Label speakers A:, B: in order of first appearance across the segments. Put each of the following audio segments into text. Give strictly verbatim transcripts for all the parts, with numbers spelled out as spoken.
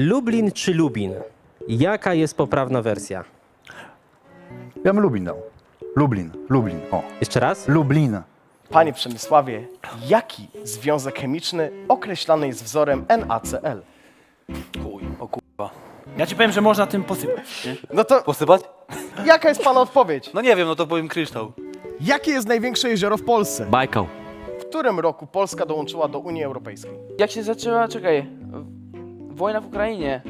A: Lublin czy Lubin? Jaka jest poprawna wersja?
B: Ja bym Lubin dał. Lublin, Lublin, o.
A: Jeszcze raz?
B: Lublin.
C: Panie Przemysławie, jaki związek chemiczny określany jest wzorem NaCl?
D: Chuj, o kurwa.
E: Ja ci powiem, że można tym posypać. Nie?
C: No to
D: Posypać?
C: jaka jest pana odpowiedź?
D: No nie wiem, no to powiem kryształ.
C: Jakie jest największe jezioro w Polsce?
E: Bajkał.
C: W którym roku Polska dołączyła do Unii Europejskiej?
F: Jak się zaczęła, czekaj, wojna w Ukrainie.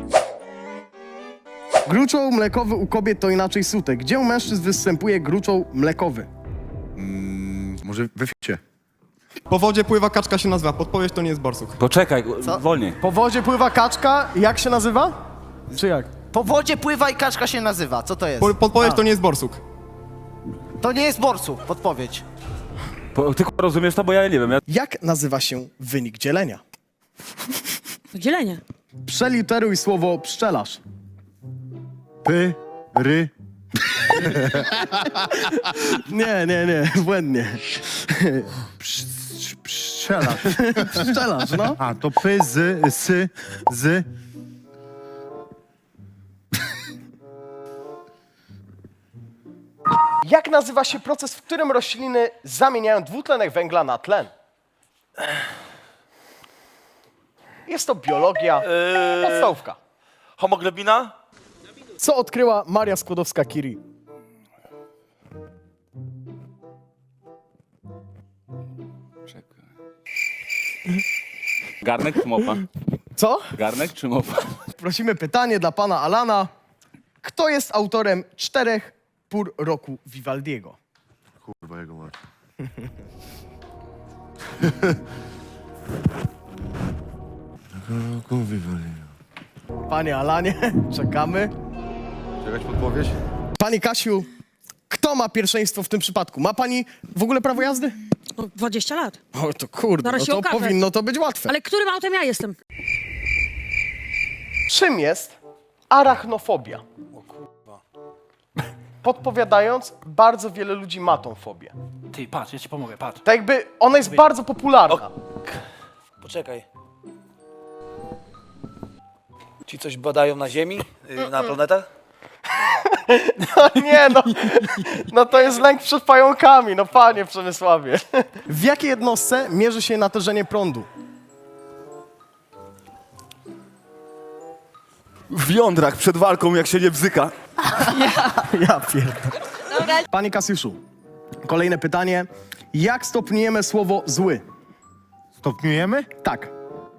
C: Gruczoł mlekowy u kobiet to inaczej sutek. Gdzie u mężczyzn występuje gruczoł mlekowy?
B: Może we ficie.
G: Po wodzie pływa kaczka się nazywa. Podpowiedź to nie jest borsuk.
D: Poczekaj, wolniej.
C: Po wodzie pływa kaczka, jak się nazywa? Czy jak?
H: Po wodzie pływa i kaczka się nazywa. Co to jest?
G: Po, podpowiedź to nie jest borsuk.
H: To nie jest borsuk, podpowiedź.
D: Po, ty kurwa rozumiesz to, bo ja nie wiem. Ja...
C: Jak nazywa się wynik dzielenia?
I: Dzielenie.
C: Przeliteruj słowo pszczelarz.
B: Py, ry.
C: Nie, nie, nie, błędnie.
B: Pszczelarz.
C: Pszczelarz, no.
B: A, to py, z, sy, z.
C: Jak nazywa się proces, w którym rośliny zamieniają dwutlenek węgla na tlen? Jest to biologia, podstawówka.
D: Homoglobina?
C: Co odkryła Maria Skłodowska-Curie?
D: Garnek czy mopa?
C: Co?
D: Garnek czy mopa?
C: Prosimy pytanie dla pana Alana. Kto jest autorem czterech pór roku Vivaldiego?
B: Kurwa, jego mać.
C: Panie Alanie, czekamy.
B: Jakaś podpowiedź?
C: Pani Kasiu, kto ma pierwszeństwo w tym przypadku? Ma pani w ogóle prawo jazdy?
I: No, dwadzieścia lat.
C: O, to kurde,
I: Zaraz
C: no
I: się
C: to
I: okaże.
C: powinno to być łatwe.
I: Ale którym autem ja jestem?
C: Czym jest arachnofobia? Podpowiadając, bardzo wiele ludzi ma tą fobię.
E: Ty, patrz, ja ci pomogę, patrz.
C: Tak jakby ona jest bardzo popularna.
D: Poczekaj. Ci coś badają na Ziemi? Yy, na planetach?
C: No nie, no, no to jest lęk przed pająkami, no panie Przemysławie. W jakiej jednostce mierzy się natężenie prądu?
D: W jądrach przed walką, jak się nie bzyka.
C: Ja pierdolę. Panie Kasiuszu, kolejne pytanie. Jak stopniujemy słowo zły?
B: Stopniujemy?
C: Tak.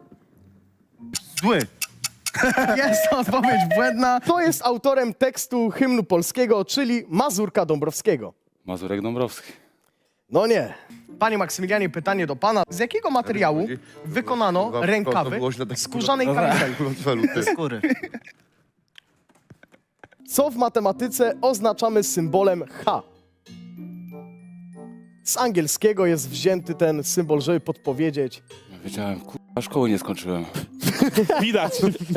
B: Zły.
C: Jest to odpowiedź błędna. Kto jest autorem tekstu hymnu polskiego, czyli Mazurka Dąbrowskiego?
D: Mazurek Dąbrowski.
C: No nie. Panie Maksymilianie, pytanie do pana. Z jakiego materiału wykonano rękawy skórzanej kamizeli?
H: Skóry.
C: Co w matematyce oznaczamy symbolem H? Z angielskiego jest wzięty ten symbol, żeby podpowiedzieć.
D: Wiedziałem, kurwa, szkoły nie skończyłem.
A: Widać.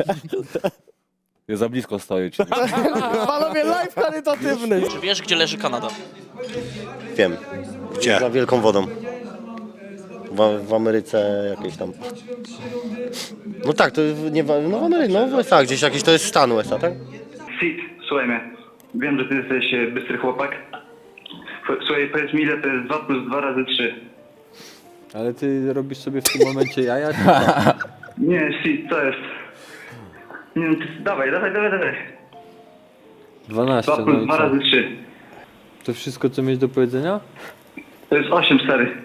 D: Ja za blisko stoję ci.
C: Panowie, live charytatywny.
F: Czy wiesz, gdzie leży Kanada?
J: Wiem. Gdzie? Za wielką wodą. W, w Ameryce jakieś tam. No tak, to nie w, no w Ameryce, no w U S A, gdzieś jakieś to jest stan U S A, tak?
K: Sid, słuchaj mnie. Wiem, że ty jesteś e, bystry chłopak. F- Słuchaj, powiedz mi, ile to jest dwa plus dwa razy trzy.
L: Ale ty robisz sobie w tym momencie jaja?
K: Nie, Sid, co jest? Nie no, ty, dawaj, dawaj, dawaj, dawaj.
L: dwanaście,
K: dwa plus
L: no i
K: dwa
L: co?
K: razy trzy.
L: To wszystko, co mieć do powiedzenia?
K: To jest osiem, stary.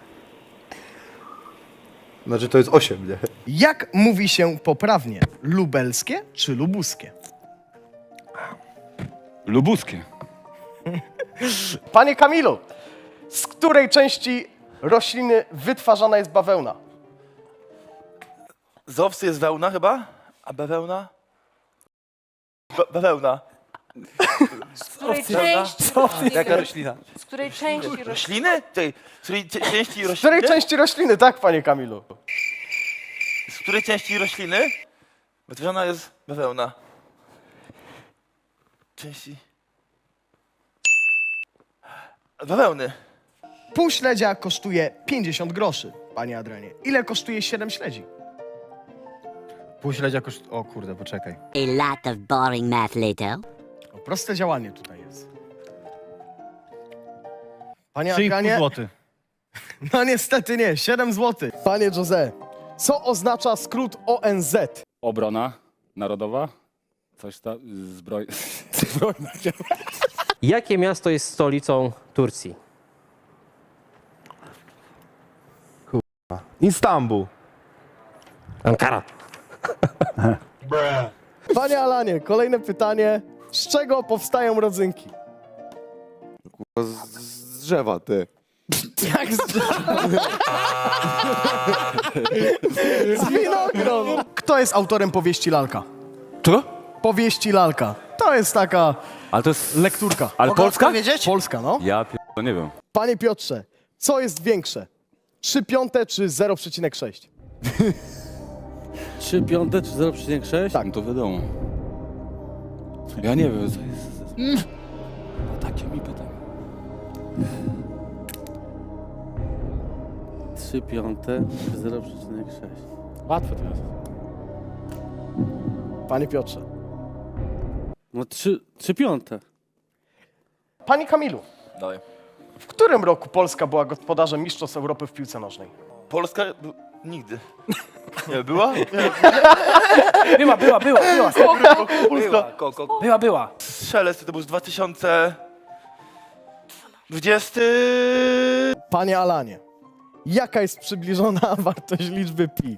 B: Znaczy to jest osiem, nie?
C: Jak mówi się poprawnie? Lubelskie czy lubuskie?
D: Lubuskie.
C: Panie Kamilu, z której części rośliny wytwarzana jest bawełna?
D: Z owcy jest wełna chyba? A bawełna? Ba bawełna.
F: Z której części
D: Jaka roślina?
F: Z której części rośliny?
D: Rośliny? Tej, z której cie- części
C: Z
D: rośliny?
C: której części rośliny, tak, panie Kamilu?
D: Z której części rośliny wytworzona jest bawełna? Części... Bawełny.
C: Pół śledzia kosztuje pięćdziesiąt groszy, panie Adrianie. Ile kosztuje siedem śledzi? Półśledź jakoś... O kurde, poczekaj.
M: A lot of boring math later.
C: O, proste działanie tutaj jest. Panie
H: trzy i pół
C: Adrianie...
H: złotych.
C: No niestety nie, siedem złotych. Panie Jose, co oznacza skrót O N Z?
L: Obrona narodowa? Coś tam, zbroj... Zbrojna.
A: Jakie miasto jest stolicą Turcji?
B: Istanbul.
A: Ankara.
C: Panie Alanie, kolejne pytanie. Z czego powstają rodzynki?
D: Z drzewa, ty.
C: Jak z Z winogron. Kto jest autorem powieści Lalka?
D: Czego?
C: Powieści Lalka. To jest taka
D: Ale to jest...
C: lekturka.
D: Ale
H: Mogę
D: Polska?
H: odpowiedzieć?
C: Polska, no.
D: Ja p... to nie wiem.
C: Panie Piotrze, co jest większe? trzy piąte czy zero przecinek sześć?
L: trzy piąte czy zero przecinek sześć?
C: Tak.
L: No to wiadomo. Ja nie wiem, co jest... Mm. Takie mi pytanie. trzy piąte czy zero przecinek sześć? Łatwe to jest.
C: Panie Piotrze.
L: No trzy piąte.
C: Panie Kamilu,
D: Dalej.
C: w którym roku Polska była gospodarzem Mistrzostw Europy w piłce nożnej?
D: Polska... b- Nigdy. Nie, była? Nie.
E: Była, była, była, była.
D: Polska. Ko, ko, ko.
E: Była, była.
D: Szelest to był z dwa tysiące dwudziesty...
C: Panie Alanie, jaka jest przybliżona wartość liczby pi?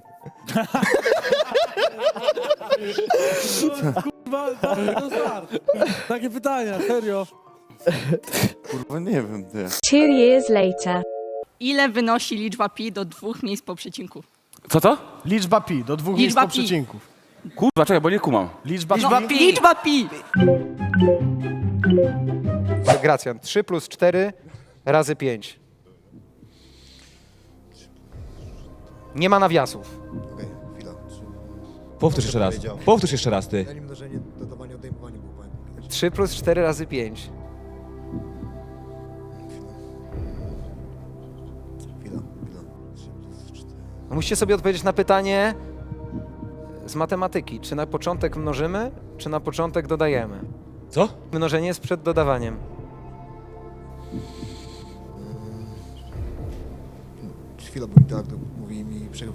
L: Takie pytania, serio.
D: Kurwa, nie wiem, ty.
I: Two years later. Ile wynosi liczba pi do dwóch miejsc po przecinku?
D: Co to?
C: Liczba pi do dwóch
I: Liczba
C: miejsc po
I: pi.
C: przecinku.
D: Kurwa, czekaj, bo nie kumam.
C: Liczba,
H: Liczba
C: pi.
H: pi.
I: Liczba pi!
G: Gracjan. trzy plus cztery razy pięć. Nie ma nawiasów.
L: Powtórz jeszcze raz. Powtórz jeszcze raz, ty.
G: trzy plus cztery razy pięć. No musicie sobie odpowiedzieć na pytanie z matematyki. Czy na początek mnożymy, czy na początek dodajemy?
L: Co?
G: Mnożenie jest przed dodawaniem.
J: Chwila, bo mi tak to mówi mi przerywa.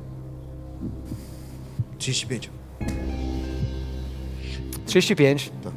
J: trzydzieści pięć.
G: trzydzieści pięć.
J: Tak.